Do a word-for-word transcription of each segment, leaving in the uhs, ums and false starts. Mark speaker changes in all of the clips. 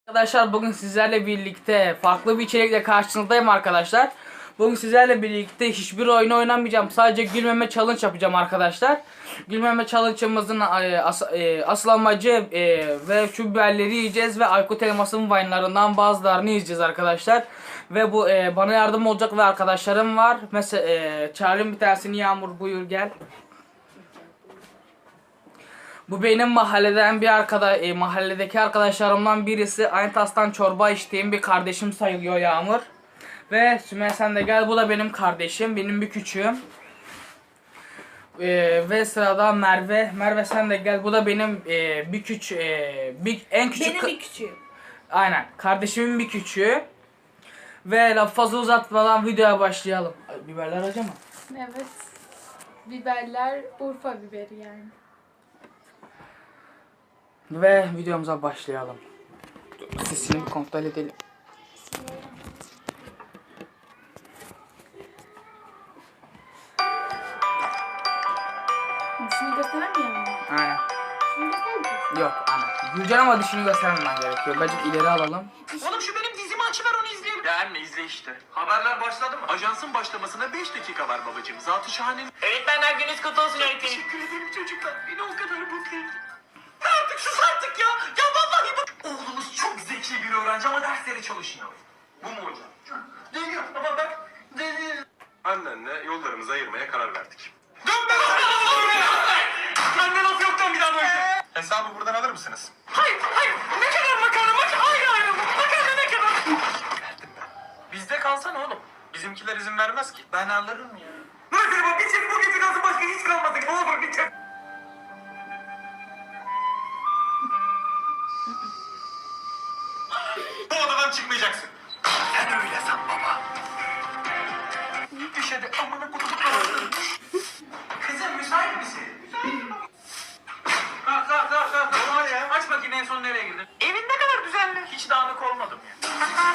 Speaker 1: Arkadaşlar bugün sizlerle birlikte farklı bir içerikle karşınızdayım arkadaşlar. Bugün sizlerle birlikte hiçbir oyun oynamayacağım. Sadece gülmeme challenge yapacağım arkadaşlar. Gülmeme challenge'ımızın as asıl amacı e, ve şu biberleri yiyeceğiz ve Aykut Elmas'ın Vine'larından bazılarını yiyeceğiz arkadaşlar. Ve bu e, bana yardım olacak ve arkadaşlarım var. Mesela e, çağırayım bir tanesini. Yağmur, buyur gel. Bu benim mahalleden bir arkada e, mahalledeki arkadaşlarımdan birisi. Aynı tastan çorba içtiğim bir kardeşim sayılıyor Yağmur. Ve Sümeyye sen de gel, bu da benim kardeşim, benim bir küçüğüm. E, ve sırada Merve. Merve sen de gel, bu da benim e, bir küç e, bir en küçük.
Speaker 2: Benim bir küçüğüm.
Speaker 1: Aynen, kardeşimin bir küçüğü. Ve lafı fazla uzatmadan videoya başlayalım. Ay, biberler acı mı?
Speaker 2: Evet. Biberler Urfa biberi yani.
Speaker 1: Ve videomuza başlayalım. Sesini bir kontrol edelim.
Speaker 2: Dişini gösteremiyor mu?
Speaker 1: Aynen.
Speaker 2: Dişini göstermiyor.
Speaker 1: Yok ana. Gülcan ama dişini göstermemen gerekiyor. Bence ileri alalım.
Speaker 3: Oğlum şu benim dizimi açıver, onu izleyelim. Ya anne izle işte. Haberler başladı mı? Ajansın başlamasına beş dakika var babacığım. Zatı şahane.
Speaker 4: Öğretmenler gününüz kutlu olsun öğretmenim.
Speaker 3: Teşekkür ederim çocuklar. Beni o kadar mutlu ettin. Artık sus artık ya. Ya vallahi bak. Oğlumuz çok zeki bir öğrenci ama dersleri çalışmıyor. Bu mu hocam? Deniyor ama bak. Deniyor.
Speaker 5: Annenle yollarımızı ayırmaya karar verdik.
Speaker 3: Dön be lan! Anne laf yoktan bir daha böyle.
Speaker 5: Hesabı buradan alır mısınız?
Speaker 3: Hayır, hayır. Ne kadar makarna? Makarna. Hayır, hayır. Makarna ne kadar?
Speaker 5: Verdim ben. Bizde kalsana oğlum. Bizimkiler izin vermez ki.
Speaker 3: Ben alırım ya. Nasıl bu? Bitir bu gece lazım, başka hiç kalmadı. Ne olur bitir.
Speaker 5: Bu odadan çıkmayacaksın.
Speaker 3: Sen öyle san baba. Düş hadi amına kutumu kapattın. Kızım müsait misin? Müsait. Kalk kalk kalk kalk. Ne var ya? Aç bakayım en son nereye girdin? Evin ne kadar düzenli. Hiç dağınık olmadım ya.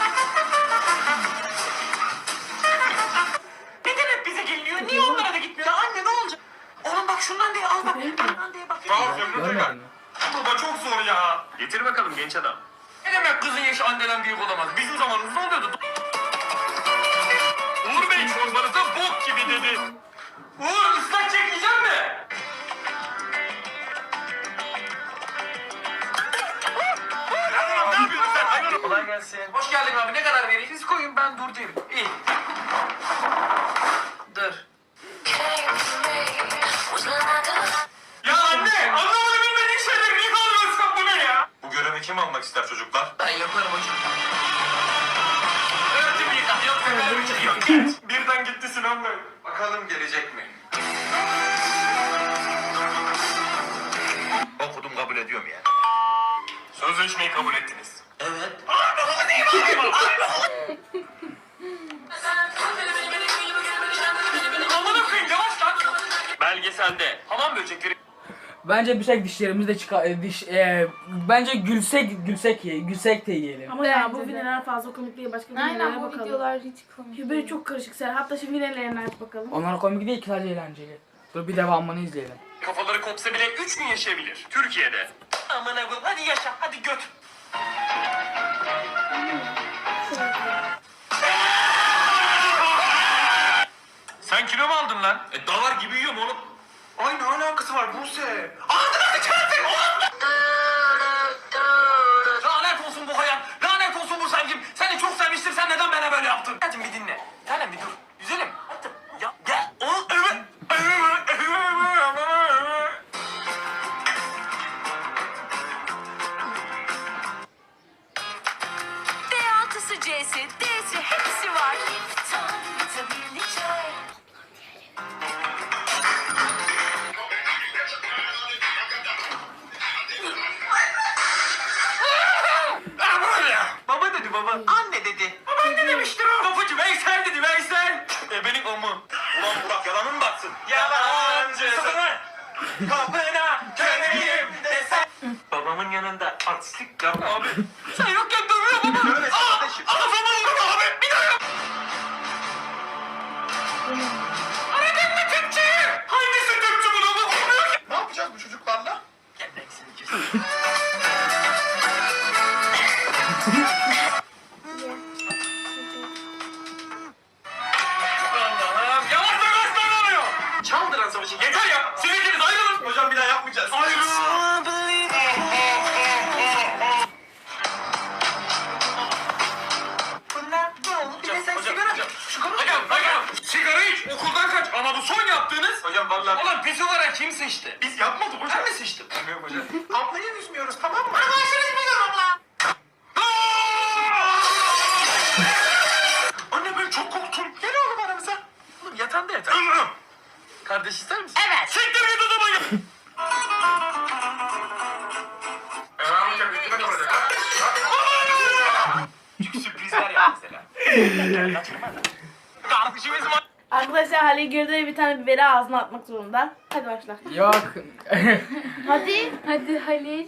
Speaker 3: Neden hep bize geliniyor? Niye onlara da gitmiyor? Ya anne ne olacak? Oğlum bak şundan diye al bak. Şundan diye bak.
Speaker 5: Sağ ol Zümrüt
Speaker 1: Görmedin
Speaker 5: Efendi.
Speaker 1: mi?
Speaker 5: Baba çok zor ya. Getir bakalım genç adam.
Speaker 3: Ne demek kızın yaşı anneden büyük olamaz? Bizim zamanımızda oluyordu.
Speaker 5: Uğur Bey çorbanıza bok gibi dedi.
Speaker 3: Uğur ıslak çekeceğim mi?
Speaker 5: Ne yapıyorsun sen? Hayır.
Speaker 3: Kolay gelsin. Hoş geldin abi. Ne kadar vereyim? Siz koyun, ben dur derim. İyi. Dur.
Speaker 5: Ya anne! Anlamadı bilmediğin şeyleri niye kalmıyorsun? Bu ne ya? Bu görevi kim almak ister çocuklar?
Speaker 3: Ben yaparım hocam. Öğretim yıkan. Yoksa böyle bir şey yok.
Speaker 5: Birden gitti Sinan Bey. Bakalım gelecek mi?
Speaker 6: Okudum kabul ediyorum ya.
Speaker 5: Sözleşmeyi kabul ettiniz.
Speaker 3: Evet. Amına koyayım, yavaş lan.
Speaker 5: Belgeselde hamam böcekleri
Speaker 1: Bence bir şey dişlerimizi de çıkar e, diş e, bence gülsek gülsek ye, gülsek de yiyelim.
Speaker 7: Ama ya
Speaker 2: Bence
Speaker 7: bu
Speaker 2: de.
Speaker 7: videolar fazla komik değil. Başka
Speaker 2: Aynen,
Speaker 7: videolara
Speaker 2: bu
Speaker 7: bakalım.
Speaker 2: videolar hiç komik
Speaker 7: Böyle
Speaker 2: değil.
Speaker 7: çok karışık ser. Hatta şimdi videolarına aç bakalım.
Speaker 1: Onlar komik değil ki, sadece eğlenceli. Dur bir devamını izleyelim.
Speaker 5: kafaları kopsa bile üç gün yaşayabilir. Türkiye'de.
Speaker 3: Amına koyayım. Hadi yaşa. Hadi göt.
Speaker 5: Sen kilo mu aldın lan? E davar gibi yiyorum oğlum.
Speaker 3: Ay ne alakası var Buse? Ağzına sıçarsın oğlum! Lanet olsun bu hayat. Lanet olsun bu sevgim. Seni çok sevmiştim. Sen neden bana böyle yaptın? Hadi bir dinle. Tanem bir dur. Güzelim. Hadi. Ya gel. O evet.
Speaker 8: D altısı C'si, D'si hepsi var.
Speaker 3: Baba dedi baba. Anne dedi. Babaanne demiştir o. Kapıcı Veysel dedi Veysel.
Speaker 5: E benim o mu? Ulan Burak yalanı mı baksın?
Speaker 3: Yalancı.
Speaker 5: Susun lan!
Speaker 3: Kapına köleyim desen.
Speaker 5: Babamın yanında artistlik yapma abi.
Speaker 3: Sen yokken dövüyor baba.
Speaker 5: Böyle kardeşim.
Speaker 3: Kafamı vurdu abi. Bir daha yap. Aradın mı Türkçeyi? Hangisi Türkçe bunu? Olmuyor ki.
Speaker 5: Ne yapacağız bu çocuklarla?
Speaker 3: Gel ben seni kesin.
Speaker 5: Allah'ım yavaş yavaş ne oluyor? Çaldıran savaşı yeter ya. Siz ikiniz ayrılın. Hocam bir daha yapmayacağız. Ayrılın.
Speaker 3: Bunlar ne oldu? Bir de sen
Speaker 5: Hocam,
Speaker 3: sigara
Speaker 5: hocam.
Speaker 3: Sigara
Speaker 5: Hocam, hocam. Sigara iç, okuldan kaç. Ama bu son yaptığınız.
Speaker 3: Hocam vallahi.
Speaker 5: Ulan pis olarak kim seçti?
Speaker 3: Biz yapmadık hocam.
Speaker 5: Ben mi seçtim?
Speaker 3: Bilmiyorum hocam. Ablayı üzmüyoruz tamam mı? Arkadaşlarız biliyorum abla. Anne ben çok korktum. Gel oğlum aramıza. Oğlum yatağında yatar. Kardeş ister misin?
Speaker 8: Evet.
Speaker 5: Siktir git odama git. Çünkü sürprizler yap mesela. Kardeşimiz var.
Speaker 7: Arkadaşlar Halil Gürde bir tane biberi ağzına atmak zorunda. Hadi başla.
Speaker 1: Yok.
Speaker 7: Hadi.
Speaker 2: Hadi Halil.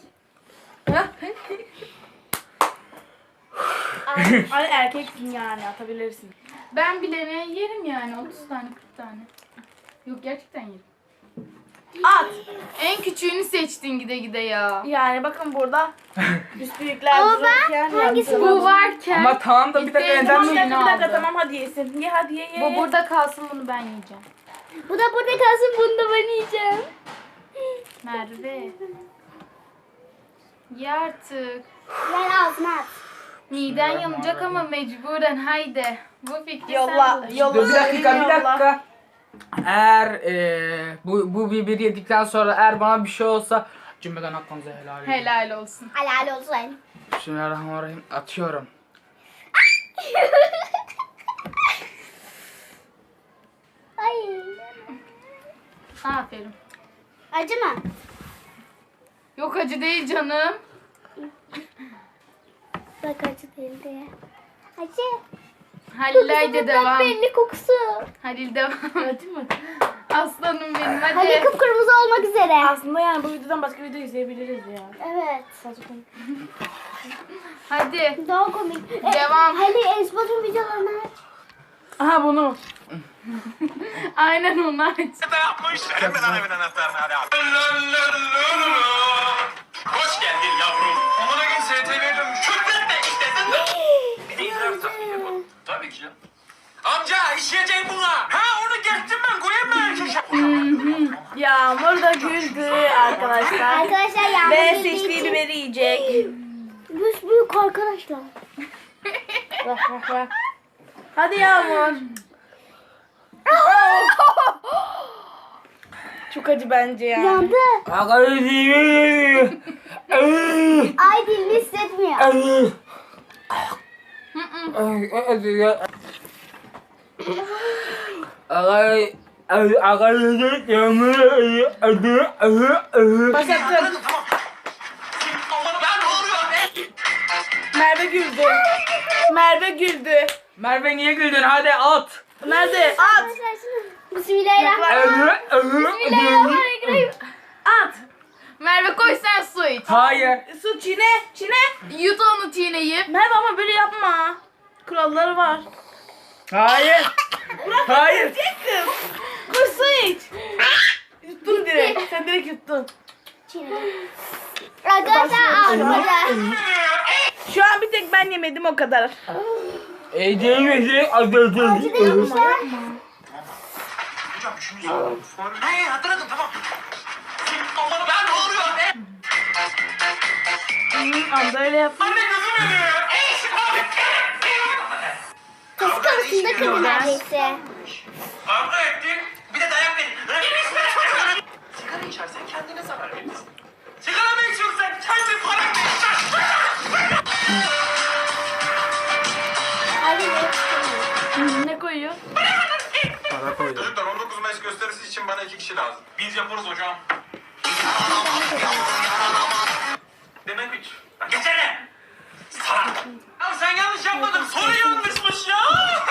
Speaker 7: Ay, ay erkeksin yani atabilirsin.
Speaker 2: Ben bilene yerim yani otuz tane kırk tane. Yok gerçekten yerim.
Speaker 7: At.
Speaker 2: En küçüğünü seçtin gide gide ya.
Speaker 7: Yani bakın burada büyükler dururken hangisi
Speaker 2: Bu varken.
Speaker 1: Ama tamam da bir dakika
Speaker 2: İsteyen
Speaker 1: neden
Speaker 7: Bir
Speaker 2: mi?
Speaker 1: mi?
Speaker 7: dakika bir dakika
Speaker 2: aldı.
Speaker 7: tamam hadi yesin. Ye hadi ye ye.
Speaker 2: Bu
Speaker 7: ye.
Speaker 2: burada kalsın bunu ben yiyeceğim.
Speaker 6: Bu da burada kalsın, bunu da ben yiyeceğim.
Speaker 2: Merve. Ye artık.
Speaker 6: Yani ağzına at.
Speaker 2: Miden yanacak ama mecburen haydi. Bu fikri
Speaker 7: Yolla
Speaker 2: sen bul.
Speaker 7: yolla.
Speaker 1: Dur bir dakika bir
Speaker 7: yolla.
Speaker 1: dakika. Eğer eee, bu bu biberi yedikten sonra eğer bana bir şey olsa cümleden hakkınızı helal edin.
Speaker 2: Helal olsun.
Speaker 6: Helal olsun.
Speaker 1: Bismillahirrahmanirrahim. Atıyorum.
Speaker 6: Ay.
Speaker 2: Aferin.
Speaker 6: Acı mı?
Speaker 2: Yok acı değil canım.
Speaker 6: Bak acı değil diye. Acı.
Speaker 2: Halil haydi devam.
Speaker 6: Belli kokusu.
Speaker 2: Halil devam.
Speaker 7: Hadi mi?
Speaker 2: Aslanım benim hadi.
Speaker 6: Hadi kıpkırmızı olmak üzere.
Speaker 7: Aslında yani bu videodan başka video izleyebiliriz ya.
Speaker 6: Evet.
Speaker 2: Hadi.
Speaker 6: Daha komik. E,
Speaker 2: Devam.
Speaker 6: Hadi Esbot'un videolarını aç.
Speaker 7: Aha bunu.
Speaker 2: Aynen onu aç.
Speaker 5: Ne yapmış? Hemen ana evin anahtarını hadi al. Hoş geldin yavrum. Amına gün S T V'ye dönmüş. Şükret de işte sen de. Bir de idrar takviye bu. Tabii ki canım. Amca işleyeceğim buna. Ha onu geçtim ben koyayım mı erkek?
Speaker 7: Yağmur da güldü arkadaşlar.
Speaker 6: Arkadaşlar yağmur
Speaker 7: Ve
Speaker 6: bildiği
Speaker 7: seçtiği
Speaker 6: için-
Speaker 7: biberi yiyecek.
Speaker 6: Büyük büyük arkadaşlar.
Speaker 7: Bak bak bak. Hadi Yağmur. Çok acı bence ya.
Speaker 6: Yandı. Ay dilini hissetmiyor.
Speaker 7: Başlattım.
Speaker 5: Aman ben ne oluyor be?
Speaker 7: Merve güldü. Merve güldü.
Speaker 1: Merve niye güldün? Hadi at.
Speaker 7: Nerede? At.
Speaker 6: Arkadaşlar şimdi- Bismillahirrahmanirrahim. Bismillahirrahmanirrahim.
Speaker 7: At.
Speaker 2: Merve koy sen su iç.
Speaker 1: Hayır.
Speaker 7: Su çiğne. Çiğne.
Speaker 2: Yut onu çiğneyip.
Speaker 7: Merve ama böyle yapma. Kuralları var.
Speaker 1: Hayır. Hayır.
Speaker 7: Kız. Koy su iç. Yuttun direkt. Sen direkt yuttun.
Speaker 6: Arkadaşlar ağzımda.
Speaker 7: Şu an bir tek ben yemedim o kadar.
Speaker 1: Eceğimizi
Speaker 6: Acı değilmişler.
Speaker 3: Hocam şunu soralım.
Speaker 5: Hey hatırladım tamam. Aman ben ne oluyor be?
Speaker 7: Anda öyle yap.
Speaker 5: Anne gözüm yanıyor.
Speaker 6: Kız karısında kırdı neredeyse.
Speaker 5: Kavga ettik. Bir de dayak verin. Sigara içersen kendine zarar verirsin. Sigara mı içiyorsun sen? Kendi paranla içersin.
Speaker 6: Hadi
Speaker 7: Ne koyuyor?
Speaker 1: para koydum.
Speaker 3: Çocuklar on dokuz Mayıs gösterisi için bana iki kişi lazım.
Speaker 5: Biz yaparız hocam. Demek üç. Lan geçene. Salak. Ya sen yanlış yapmadın. Soru yanlışmış ya.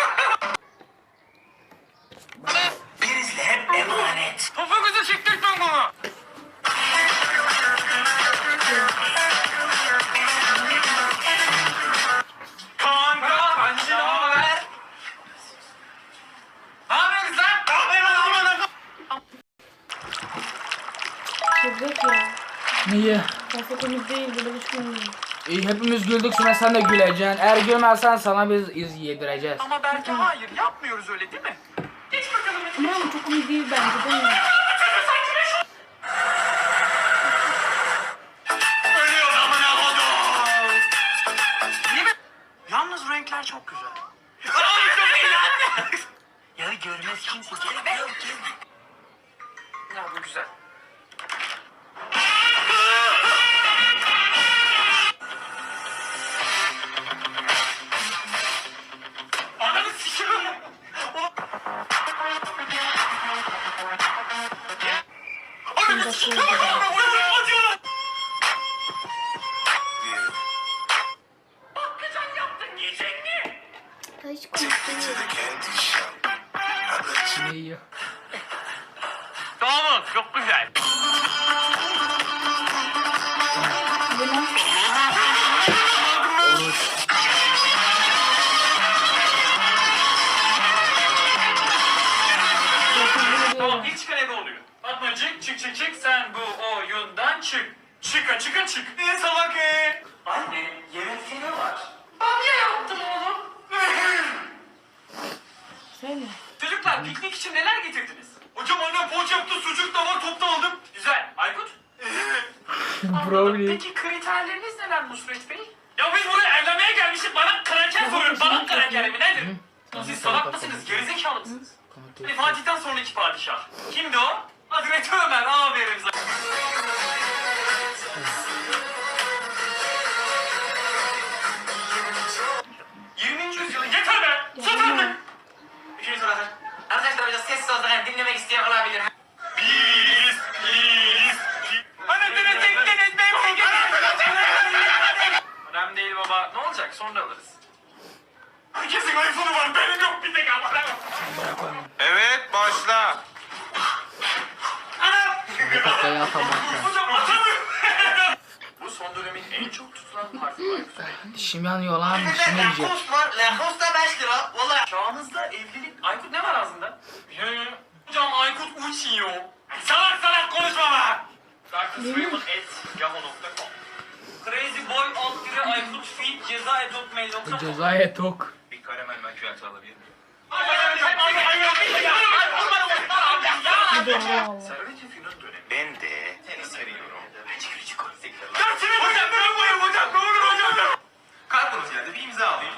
Speaker 5: Prizle hep emanet. Topuğunuzu çektirtmem bunu. Kanka, kancı ne haber? Ne yapıyorsun lan? Ne yapıyorsun lan?
Speaker 7: Çocuk ya.
Speaker 1: Niye?
Speaker 7: Pasta temiz değil. Böyle bir şey olmuyor.
Speaker 1: İyi, hepimiz güldük, Sümeyye sen de güleceksin. Eğer gülmezsen sana biz iz yedireceğiz.
Speaker 5: Ama belki hayır yapmıyoruz öyle değil mi? Geç bakalım.
Speaker 2: Ama çok iyi değil bence değil mi?
Speaker 5: Ölüyor amına kodum. Değil mi? Yalnız renkler çok güzel. Ay çok iyi lan. Ya görmez kimse. Gel gel gel. Ya bu güzel. Ananı sikiyorum. Ananı sikiyorum. Acıyor. Bakkacan yaptın yiyecek mi?
Speaker 6: Hiç konuşmuyorum.
Speaker 1: Ne yiyor?
Speaker 5: Tamam çok güzel. Tamam ilk çıkan ebe oluyor. Fatmacık çık çık çık sen bu oyundan çık. Çıka çıka çık. Ne salak e? Anne yemekte ne var? Bamya yaptım oğlum.
Speaker 2: Söyle.
Speaker 5: Çocuklar piknik için neler getirdiniz? Hocam annem poğaça yaptı, sucuk da var, topta aldım. Güzel. Aykut? Anladım.
Speaker 1: Brownie.
Speaker 5: Peki kriterleriniz neler Nusret Bey? Ya biz buraya evlenmeye gelmişiz, bana kraker soruyor. Bana kraker mi nedir? Siz salak mısınız, gerizekalı mısınız? Hani Fatih'ten sonraki padişah. Kimdi o? Hazreti Ömer, aferin sana. yirminci yüzyılın yeter be! Sus artık! Bir şey sorarım. Arkadaşlar biraz sessiz olsun, yani dinlemek isteyen olabilir. Biz, biz, Anasını tektiniz be! Önemli değil baba. Ne olacak? Sonra alırız. Herkesin iPhone'u var. Benim yok bir tek ama.
Speaker 9: Evet başla.
Speaker 5: Anam!
Speaker 1: Kafayı atamazlar.
Speaker 5: Hocam atamıyorum. Bu son dönemin en çok tutulan parfü Aykut Bey.
Speaker 1: Dişim yanıyor lan, dişim yiyecek.
Speaker 5: Lacoste var. Lacoste da beş lira. Valla. Çağımızda evlilik... Aykut ne var ağzında? Hocam Aykut uçuyor. Salak salak konuşma be. Darkness Raven at yahoo nokta com Crazy Boy alt dire Aykut feed ceza edot mail nokta com
Speaker 1: Cezaya tok.
Speaker 9: Bir karamel makyajı alabilir miyim?
Speaker 5: Servet-i Fünun dönemi.
Speaker 9: Ben de seni seviyorum.
Speaker 5: Dersini hocam ben buyum hocam ne olur hocam.
Speaker 9: Kalkınız yerde bir imza alayım.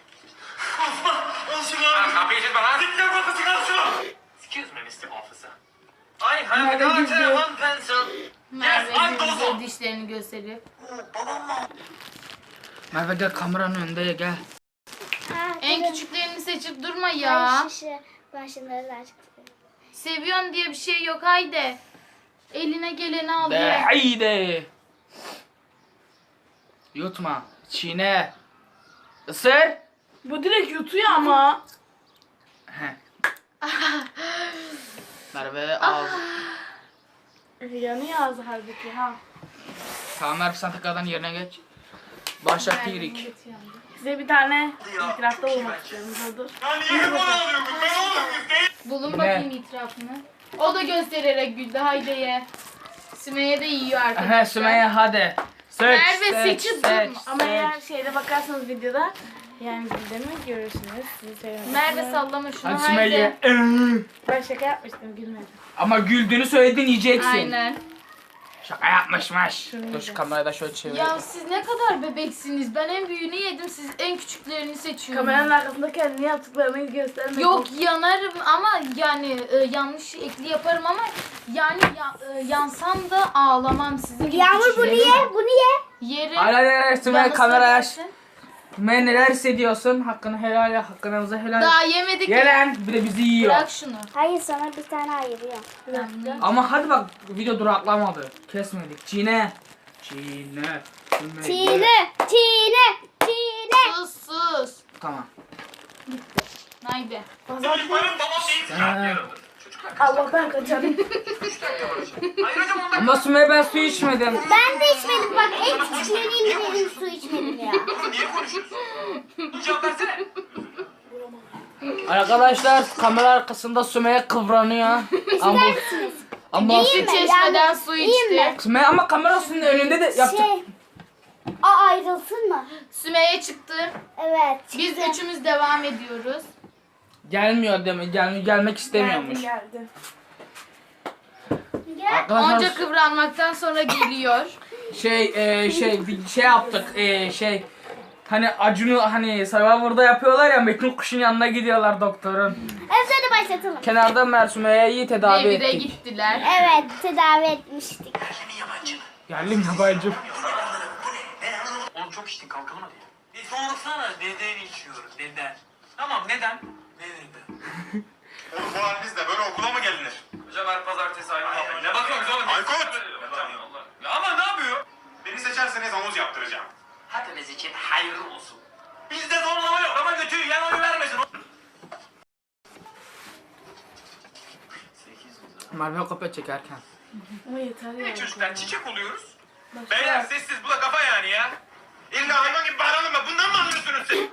Speaker 5: Al şunu abi.
Speaker 9: Kapıyı açın bana.
Speaker 5: Dikkat bakasın al şunu. Excuse me mister Officer. I have
Speaker 2: Merve
Speaker 5: got
Speaker 2: güldü.
Speaker 5: a one pencil.
Speaker 2: Merve
Speaker 5: Yes, I'm
Speaker 2: bize
Speaker 5: Dozo.
Speaker 2: dişlerini gösteriyor.
Speaker 1: Merve gel kameranın önünde gel.
Speaker 6: Ah,
Speaker 2: En
Speaker 6: durun.
Speaker 2: küçüklerini seçip durma
Speaker 6: Ay,
Speaker 2: ya.
Speaker 6: şişe. Ben şunları da açtım.
Speaker 2: Seviyorsun diye bir şey yok, haydi. Eline geleni al
Speaker 1: De
Speaker 2: ye.
Speaker 1: haydi. Yutma. Çiğne. Isır.
Speaker 7: Bu direkt yutuyor ama.
Speaker 1: He. Merve al.
Speaker 7: Yanıyor ağzı halbuki ha.
Speaker 1: Tamam Merve sen tekrardan yerine geç. Başlat iyilik.
Speaker 7: Size bir tane itirafta olmak istiyorum. Dur dur.
Speaker 5: Ya niye hep onu alıyorsun? Ben oğlum değil.
Speaker 2: Bulun
Speaker 1: Ne?
Speaker 2: bakayım itirafını. O da göstererek güldü, haydi ye. Sümeyye de yiyor
Speaker 1: He
Speaker 2: arkadaşlar.
Speaker 1: Sümeyye hadi. Seç,
Speaker 2: Merve
Speaker 1: seç,
Speaker 2: seçip
Speaker 1: seç,
Speaker 2: durma.
Speaker 7: Ama
Speaker 1: seç.
Speaker 7: eğer şeyde bakarsanız videoda yani güldüğümü görürsünüz. Sizi seviyorum.
Speaker 2: Merve sallama şunu,
Speaker 1: Hadi
Speaker 2: haydi.
Speaker 1: Sümeyye.
Speaker 7: Ben şaka yapmıştım gülmedim.
Speaker 1: Ama güldüğünü söyledin yiyeceksin.
Speaker 2: Aynen.
Speaker 1: Şaka yapmışmış. Dur şu kamerayı da şöyle çevir.
Speaker 2: Ya siz ne kadar bebeksiniz. Ben en büyüğünü yedim, siz en küçüklerini seçiyorsunuz.
Speaker 7: Kameranın arkasında kendini yaptıklarını göstermek.
Speaker 2: Yok yanarım ama yani e, yanlış ekli yaparım ama yani ya, e, yansam da ağlamam sizin gibi
Speaker 6: Yağmur bunu
Speaker 2: küçüklerim.
Speaker 6: ye, bunu ye.
Speaker 2: Yerim.
Speaker 1: Hayır hayır hayır Sümeyye
Speaker 2: Bana
Speaker 1: kamerayı aç.
Speaker 2: söylersin.
Speaker 1: Sümeyye neler hissediyorsun? Hakkını helal ya, hakkınızı helal.
Speaker 2: Daha yemedik.
Speaker 1: Gelen bir de bizi yiyor.
Speaker 2: Bırak şunu.
Speaker 6: Hayır sana bir tane ayırıyor.
Speaker 2: Tamam.
Speaker 1: Ama hadi bak video duraklamadı. Kesmedik. Çiğne. Çiğne. Sümeyye.
Speaker 6: Çiğne, çiğne, çiğne.
Speaker 2: Sus sus.
Speaker 1: Tamam.
Speaker 2: Haydi.
Speaker 5: Benim babam değil.
Speaker 1: Ha.
Speaker 7: Allah ben kaçarım.
Speaker 5: Hayır hocam ondan.
Speaker 1: Ama Sümeyye ben su içmedim.
Speaker 6: Ben de içmedim bak en küçüklerini benim su içmedim ya.
Speaker 5: Oğlum niye konuşuyorsun? Cevap versene.
Speaker 1: Arkadaşlar kamera arkasında Sümeyye kıvranıyor. Ama ama
Speaker 6: Değil mi?
Speaker 2: Çeşmeden su
Speaker 6: İyiyim
Speaker 2: içti.
Speaker 6: mi?
Speaker 1: Sümeyye ama kamerasının önünde de yaptık.
Speaker 6: Şey. Aa ayrılsın mı?
Speaker 2: Sümeyye çıktı.
Speaker 6: Evet.
Speaker 2: Biz
Speaker 6: çıktı.
Speaker 2: üçümüz devam ediyoruz.
Speaker 1: Gelmiyor deme. Gel, gelmek istemiyormuş.
Speaker 7: Geldi geldi.
Speaker 6: Gel.
Speaker 1: Arkadaşlar
Speaker 2: Onca kıvranmaktan sonra geliyor.
Speaker 1: şey e, şey bir şey yaptık. E, şey hani Acun'u hani Survivor'da yapıyorlar ya, Metin Kuş'un yanına gidiyorlar doktorun.
Speaker 6: Evet hadi başlatalım.
Speaker 1: Kenarda Mersume'yi tedavi
Speaker 2: Devire
Speaker 1: ettik.
Speaker 2: gittiler.
Speaker 6: Evet tedavi etmiştik.
Speaker 1: Geldim yabancım.
Speaker 5: Oğlum çok içtin kalkalım hadi. Bir sorsana neden içiyoruz neden? Tamam neden? Neden?
Speaker 9: Oğlum bu halinizle böyle okula mı gelinir?
Speaker 5: Hocam her pazartesi aynı muhabbet. Ne bakıyorsunuz oğlum?
Speaker 9: Aykut!
Speaker 5: Ya ama ne yapıyor?
Speaker 9: Beni seçerseniz havuz yaptıracağım.
Speaker 5: Hepimiz için hayırlı olsun. Bizde zorlama yok ama götüyü yan oyu vermesin.
Speaker 1: Merve kopya çekerken.
Speaker 7: Ama yeter ya.
Speaker 9: Ne çocuklar çiçek oluyoruz. Beyler sessiz bu da kafa yani ya. İlla hayvan gibi bağıralım mı? Bundan mı anlıyorsunuz siz?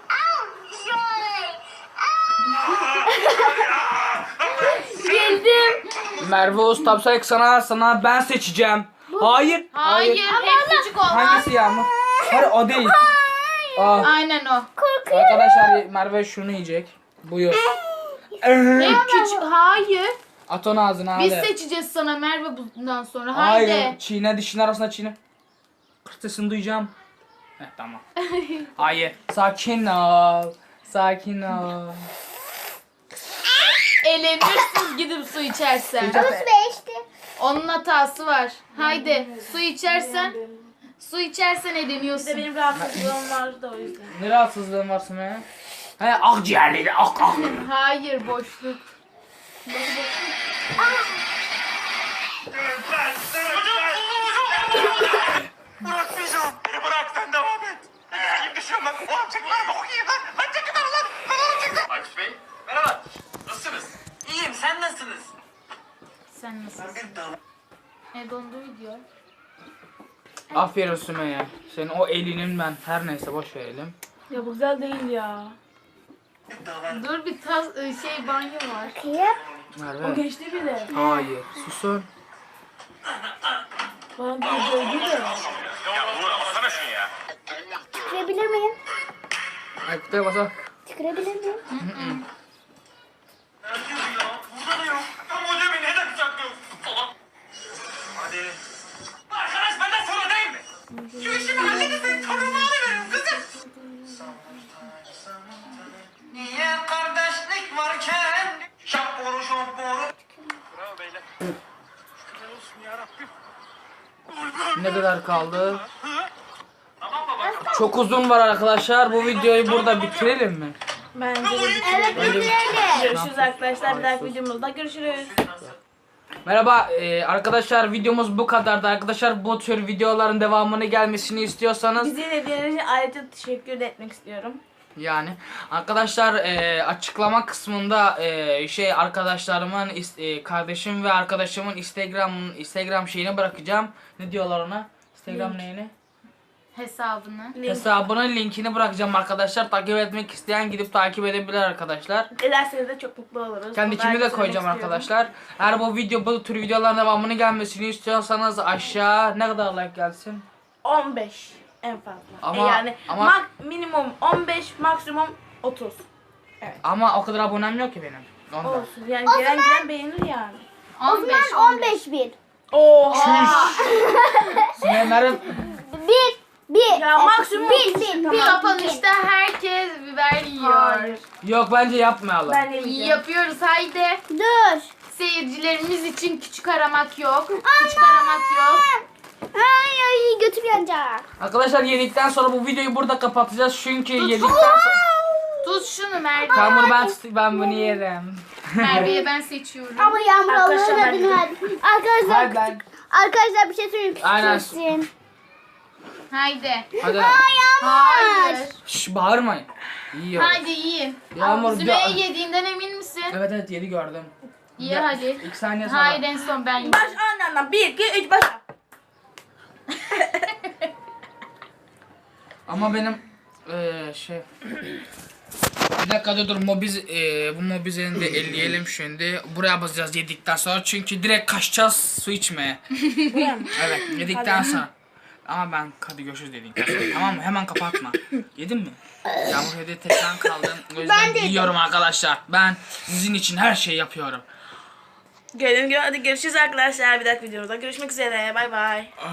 Speaker 1: Merve Ustapsayık sana sana ben seçeceğim. Hayır.
Speaker 2: Hayır, hep küçük olmaz.
Speaker 1: Hangisi Yağmur? Hayır o değil. Aa,
Speaker 2: Aynen o.
Speaker 1: arkadaşlar Merve şunu yiyecek. Buyur.
Speaker 2: Hep küçük. Hayır.
Speaker 1: At onu ağzına hadi.
Speaker 2: Biz seçeceğiz sana Merve bundan sonra. Haydi.
Speaker 1: Hayır. Çiğne dişin arasında çiğne. Kırtısını duyacağım. Heh tamam. Hayır. Sakin ol. Sakin ol.
Speaker 2: Eğlenirsiniz gidip su içersen.
Speaker 6: Havuz beşti.
Speaker 2: Onun hatası var. Haydi su içersen. Su içersen
Speaker 7: Bir de
Speaker 2: eğleniyorsun.
Speaker 7: benim rahatsızlığım var da o yüzden.
Speaker 1: Ne rahatsızlığın var Sümeyye? He akciğerleri ak ak.
Speaker 2: Hayır boşluk.
Speaker 9: Bırakmayacağım. Beni bırak sen devam et. Gideyim düşüyorum lan. Ulan çek lan bakayım lan. Lan çekin lan lan. Lan çekin.
Speaker 5: Aykut Bey merhaba. Nasılsınız? İyiyim sen nasılsınız?
Speaker 2: Sen nasılsın? E dondu video.
Speaker 1: Aferin Sümeyye. Senin o elinin ben her neyse boş verelim.
Speaker 7: Ya bu güzel değil ya.
Speaker 2: Dur bir tas şey banyo var.
Speaker 6: Kıyıp.
Speaker 7: O
Speaker 1: Merve.
Speaker 7: geçti bile.
Speaker 1: Hayır. Susun.
Speaker 7: Bana bir dövdü de.
Speaker 9: Ya Uğur alsana şunu ya.
Speaker 6: Tükürebilir miyim?
Speaker 1: Aykut'a basa.
Speaker 6: Tükürebilir miyim?
Speaker 5: Nerede ya? Burada da yok. Ama hoca beni neden saklıyorsun? Salak. Hadi. Arkadaş benden sonra değil mi? Şu işimi halledin. Torunumu alıverin kızım. Niye kardeşlik varken? Şap boru şap boru. Bravo beyler. Şükürler olsun yarabbim.
Speaker 1: Ne kadar kaldı?
Speaker 5: Tamam baba.
Speaker 1: Çok uzun var arkadaşlar. Bu videoyu burada bitirelim mi?
Speaker 7: Bence de
Speaker 6: Evet bitirelim.
Speaker 7: görüşürüz arkadaşlar. Bir dahaki videomuzda görüşürüz.
Speaker 1: Merhaba e, arkadaşlar, videomuz bu kadardı. Arkadaşlar bu tür videoların devamını gelmesini istiyorsanız
Speaker 7: Bizi izlediğiniz için ayrıca teşekkür de etmek istiyorum.
Speaker 1: yani arkadaşlar e, açıklama kısmında e, şey arkadaşlarımın is- e, kardeşim ve arkadaşımın Instagram Instagram şeyini bırakacağım. Ne diyorlar ona? Instagram neyini?
Speaker 2: Hesabını.
Speaker 1: Hesabının linkini bırakacağım arkadaşlar. Takip etmek isteyen gidip takip edebilir arkadaşlar.
Speaker 7: Ederseniz de çok mutlu oluruz.
Speaker 1: Kendikimi de koyacağım arkadaşlar. Eğer bu video bu tür videoların devamını gelmesini istiyorsanız aşağı ne kadar like gelsin?
Speaker 7: on beş en fazla.
Speaker 1: Ama-
Speaker 7: E yani
Speaker 1: ama-
Speaker 7: mak- minimum on beş, maksimum otuz.
Speaker 1: Ama o kadar abonem yok ki benim. Ondan.
Speaker 7: Olsun. Yani gelen gelen beğenir yani.
Speaker 6: O zaman on beş bin.
Speaker 7: Oha.
Speaker 1: Sümeyye'lerin
Speaker 6: Bir. Bir.
Speaker 7: Ya maksimum
Speaker 6: Bir.
Speaker 7: otuz.
Speaker 6: Bir.
Speaker 7: Tamam.
Speaker 6: Bir.
Speaker 2: Kapanışta herkes biber yiyor.
Speaker 7: Hayır.
Speaker 1: yok bence yapmayalım.
Speaker 7: Ben yemeyeceğim.
Speaker 2: Yapıyoruz haydi.
Speaker 6: Dur.
Speaker 2: Seyircilerimiz için küçük aramak yok. Küçük aramak yok.
Speaker 6: Ay ay götüm yanacak.
Speaker 1: Arkadaşlar yedikten sonra bu videoyu burada kapatacağız çünkü yedikten sonra
Speaker 2: Tut şunu Merve.
Speaker 1: Tamam ben ben bunu yerim.
Speaker 2: Merve'ye ben seçiyorum.
Speaker 6: Ama Yağmur
Speaker 7: Arkadaşlar,
Speaker 6: Allah'ın
Speaker 7: ben-
Speaker 6: adını verdi. Arkadaşlar
Speaker 1: Hayır, ben-
Speaker 6: küçük. Arkadaşlar bir şey söyleyeyim.
Speaker 1: Aynen.
Speaker 6: Küçülsün.
Speaker 2: Haydi.
Speaker 1: Hadi.
Speaker 2: Hayır.
Speaker 1: Şş, bağırmayın. Yiyor.
Speaker 2: Haydi yiyin.
Speaker 1: Yağmur
Speaker 2: Sümeyye
Speaker 1: bir-
Speaker 2: yediğinden emin misin?
Speaker 1: Evet evet yedi gördüm.
Speaker 2: Ye
Speaker 1: Ya,
Speaker 2: hadi.
Speaker 1: İlk saniye sonra.
Speaker 2: Hayır en son ben yiyeyim.
Speaker 7: Baş anlamdan bir, iki, üç, başla.
Speaker 1: Ama benim eee şey bir dakika dur dur mobiz eee bu mobizenin de elleyelim şimdi. Buraya basacağız yedikten sonra çünkü direkt kaçacağız su içmeye. Evet yedikten sonra. Ama ben hadi görüşürüz dedin. Tamam mı? Hemen kapatma. Yedin mi? Yağmur hediye tek ben kaldım. O yüzden
Speaker 6: Ben de yedim.
Speaker 1: yiyorum arkadaşlar. Ben sizin için her şeyi yapıyorum.
Speaker 7: Gördüğüm gibi hadi görüşürüz arkadaşlar. Bir dahaki videomuzda görüşmek üzere. Bay bay.